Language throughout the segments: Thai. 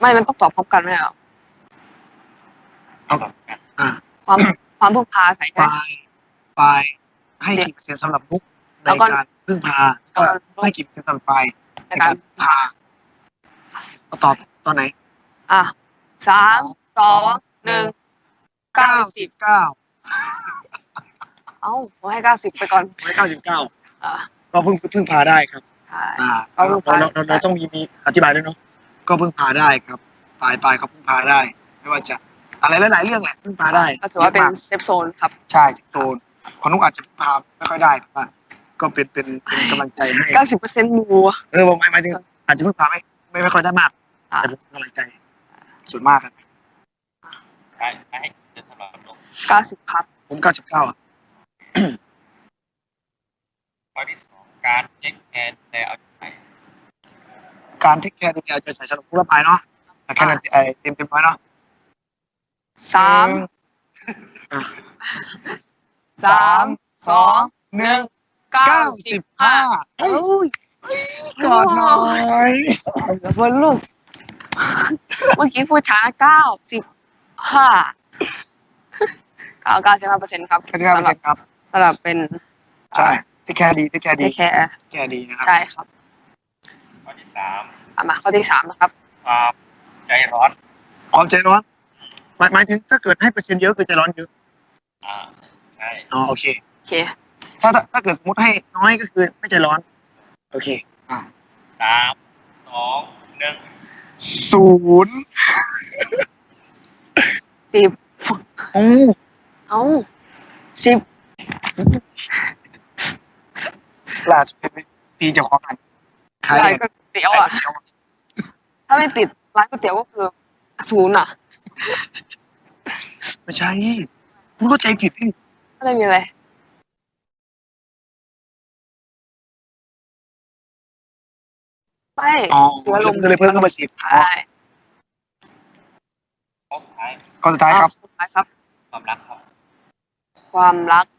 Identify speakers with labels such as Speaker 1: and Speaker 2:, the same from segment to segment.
Speaker 1: ไม่มันต้องตอบพร้อมกันไหมอ่ะ
Speaker 2: เอา
Speaker 1: ความพึ่งพาใส่
Speaker 2: ไปให้กี่เปอร์เซ็นต์สำหรับมุกในการพึ่งพาก็ให้กี่เปอร์เซ็นต์สำหรับไปในการพึ่งพาเอาตอบตอนไหน
Speaker 1: 3 2 1
Speaker 2: 99
Speaker 1: ผมให้90ไปก่อน
Speaker 2: ให้99ก็พึ่งพาได้ครับเราต้องมีอธิบายด้วยเนาะก็พึ่งพาได้ครับปลายเขาพึ่งพาได้ไม่ว่าจะอะไรหลายๆเรื่องแหละพึ่งพาได้
Speaker 1: ก็ถือว่าเป็นเซฟโซนครับ
Speaker 2: ใช่เซฟโซนคนนุกอาจจะพึ่งพาไม่ค่อยได้แต่ว่าก็เป็นกำลังใจให้
Speaker 1: 90%มู
Speaker 2: หมายถึงอาจจะพึ่งพาไม่ค่อยได้มากแต่เป็นกำลังใจส่วนมากครับ
Speaker 3: ให้เสำหรับนุก
Speaker 1: 90ครับ
Speaker 2: ผม99
Speaker 3: ข้อที่2การเทคแคร์แต่เอาใจใส่
Speaker 2: การเทคแคร์ดูแลเอาใจใส่สำหรับผู้รับไปเนาะแค่นั้นเต็มไว้เนาะ
Speaker 1: 3 2 1
Speaker 2: 95กอดหน่อย
Speaker 1: บนลูกเมื่อกี้พูดช้า95% ครับ
Speaker 2: 95%ครับ
Speaker 1: สำหรับเป็น
Speaker 2: ใช่ที่แคร์ดี
Speaker 1: แคร์
Speaker 2: ดีนะครับ
Speaker 1: ใช่ครับ
Speaker 3: ข้อที่3
Speaker 1: มาข้อที่3นะครับ
Speaker 3: ความใจร้อน
Speaker 2: หมายถึงถ้าเกิดให้เปอร์เซ็นต์เยอะคือใจร้อนเยอะ
Speaker 3: ใช่
Speaker 2: โอเคถ้าเกิดสมมติให้น้อยก็คือไม่ใจร้อนโอเค
Speaker 3: 3 2 1
Speaker 2: 0
Speaker 1: 1010
Speaker 2: ล่าสุดตีเจ้าของกัน
Speaker 1: ขายก๋วยเตี๋ยวถ้าไม่ติดร้านก๋วยเตี๋ยวก็คือ0
Speaker 2: ไม่ใช่คุณเข้าใจผิดนี่
Speaker 1: ไม่มีอะไรไม่
Speaker 2: เสียลมก็เลยเพิ่มเข้ามา10ข้อสุดท้ายครับ
Speaker 3: ความรักครับ
Speaker 1: ความ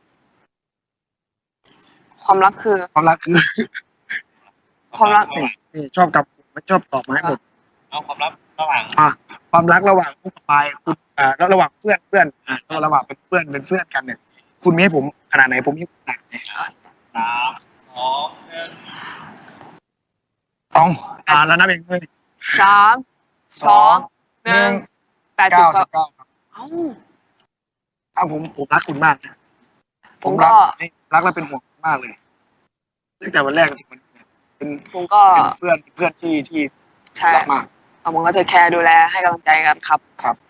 Speaker 1: รักคือ
Speaker 2: นี่ชอบกับไม่ชอบตอบมาให้หมด
Speaker 3: ความรักระหว่าง
Speaker 2: ความรักระหว่างผู้กับปายคุณแล้วระหว่างเพื่อนระหว่างเป็นเพื่อนกันเนี่ยคุณมีให้ผมขนาดไหนผมมีขนาดไหน
Speaker 3: 3 2 1
Speaker 2: แล้วนับเองเลย
Speaker 1: 3 2 1
Speaker 2: 99ผมรักคุณมากนะผมรักและเป็นห่วงมากเลยตั้งแต่วันแรกจนถึงวันนี้เป็นเพื่อนที่รักมาก
Speaker 1: ผมก็จะแคร์ดูแลให้กำลังใจกันครับ